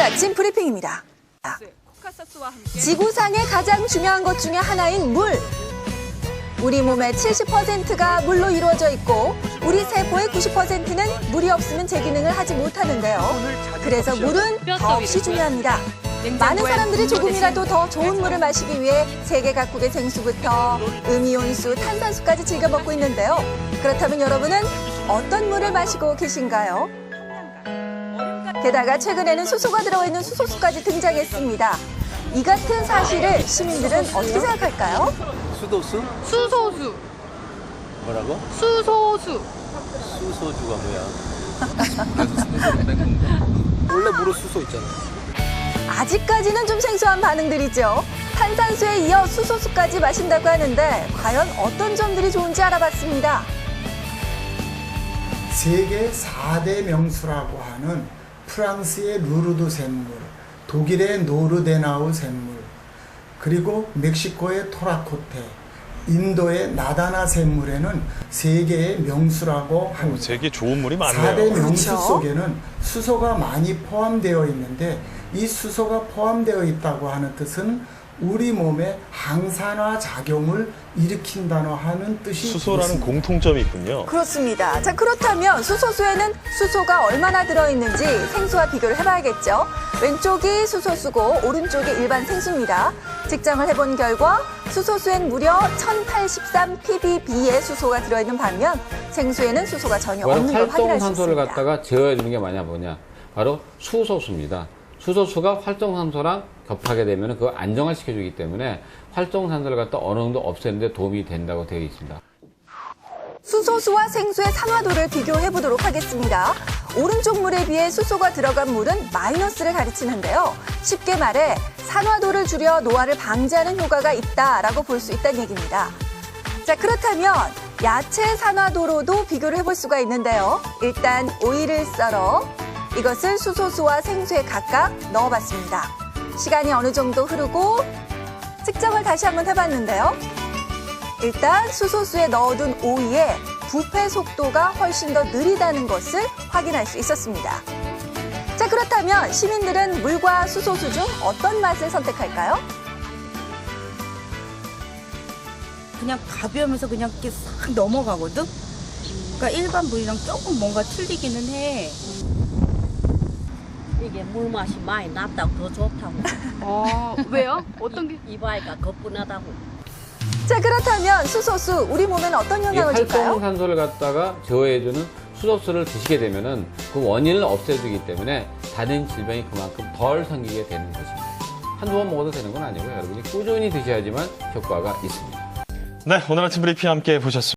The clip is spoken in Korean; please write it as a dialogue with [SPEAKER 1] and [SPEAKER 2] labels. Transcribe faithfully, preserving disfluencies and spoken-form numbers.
[SPEAKER 1] 아침 브리핑입니다. 지구상의 가장 중요한 것 중에 하나인 물. 우리 몸의 칠십 퍼센트가 물로 이루어져 있고 우리 세포의 구십 퍼센트는 물이 없으면 제 기능을 하지 못하는데요. 그래서 물은 더없이 중요합니다. 많은 사람들이 조금이라도 더 좋은 물을 마시기 위해 세계 각국의 생수부터 음이온수, 탄산수까지 즐겨 먹고 있는데요. 그렇다면 여러분은 어떤 물을 마시고 계신가요? 게다가 최근에는 수소가 들어있는 수소수까지 등장했습니다. 이 같은 사실을 시민들은 어떻게 생각할까요?
[SPEAKER 2] 수도수?
[SPEAKER 3] 수소수.
[SPEAKER 2] 뭐라고?
[SPEAKER 3] 수소수.
[SPEAKER 2] 수소주가 뭐야? 원래 물에 수소 있잖아.
[SPEAKER 1] 아직까지는 좀 생소한 반응들이죠. 탄산수에 이어 수소수까지 마신다고 하는데 과연 어떤 점들이 좋은지 알아봤습니다.
[SPEAKER 4] 세계 사 대 명수라고 하는 프랑스의 루르드 샘물, 독일의 노르데나우 샘물, 그리고 멕시코의 토라코테, 인도의 나다나 샘물에는 세계의 명수라고 합니다.
[SPEAKER 5] 세계 좋은 물이 많네요.
[SPEAKER 4] 사 대 명수
[SPEAKER 1] 그렇죠?
[SPEAKER 4] 속에는 수소가 많이 포함되어 있는데 이 수소가 포함되어 있다고 하는 뜻은 우리 몸에 항산화 작용을 일으킨다는 하는 뜻이
[SPEAKER 5] 수소라는
[SPEAKER 4] 있습니다.
[SPEAKER 5] 공통점이 있군요.
[SPEAKER 1] 그렇습니다. 자, 그렇다면 수소수에는 수소가 얼마나 들어있는지 생수와 비교를 해봐야겠죠. 왼쪽이 수소수고 오른쪽이 일반 생수입니다. 측정을 해본 결과 수소수엔 무려 천팔십삼 ppb의 수소가 들어있는 반면 생수에는 수소가 전혀 없는 걸 확인할 수
[SPEAKER 6] 활성산소를
[SPEAKER 1] 있습니다.
[SPEAKER 6] 갖다가 제어해주는 게 뭐냐 뭐냐 바로 수소수입니다. 수소수가 활성산소랑 겹하게 되면 그걸 안정화시켜주기 때문에 활성산소를 갖다 어느 정도 없애는 데 도움이 된다고 되어 있습니다.
[SPEAKER 1] 수소수와 생수의 산화도를 비교해 보도록 하겠습니다. 오른쪽 물에 비해 수소가 들어간 물은 마이너스를 가리치는데요. 쉽게 말해 산화도를 줄여 노화를 방지하는 효과가 있다라고 볼 수 있다는 얘기입니다. 자, 그렇다면 야채 산화도로도 비교를 해볼 수가 있는데요. 일단 오이를 썰어 이것을 수소수와 생수에 각각 넣어봤습니다. 시간이 어느 정도 흐르고 측정을 다시 한번 해봤는데요. 일단 수소수에 넣어둔 오이의 부패 속도가 훨씬 더 느리다는 것을 확인할 수 있었습니다. 자, 그렇다면 시민들은 물과 수소수 중 어떤 맛을 선택할까요?
[SPEAKER 3] 그냥 가벼우면서 그냥 이렇게 싹 넘어가거든? 그러니까 일반 물이랑 조금 뭔가 틀리기는 해.
[SPEAKER 7] 이게 물 맛이 많이 낫다고 더 좋다고.
[SPEAKER 3] 어, 왜요? 어떤 게?
[SPEAKER 7] 이바이가 거뿐하다고.
[SPEAKER 1] 자, 그렇다면 수소수 우리 몸에는 어떤
[SPEAKER 6] 이
[SPEAKER 1] 영향을 줄까요?
[SPEAKER 6] 활성산소를 갖다가 제어해주는 수소수를 드시게 되면은 그 원인을 없애주기 때문에 다른 질병이 그만큼 덜 생기게 되는 것입니다. 한두 번 먹어도 되는 건 아니고요. 여러분이 꾸준히 드셔야지만 효과가 있습니다.
[SPEAKER 5] 네, 오늘 아침 브리핑 함께 보셨습니다.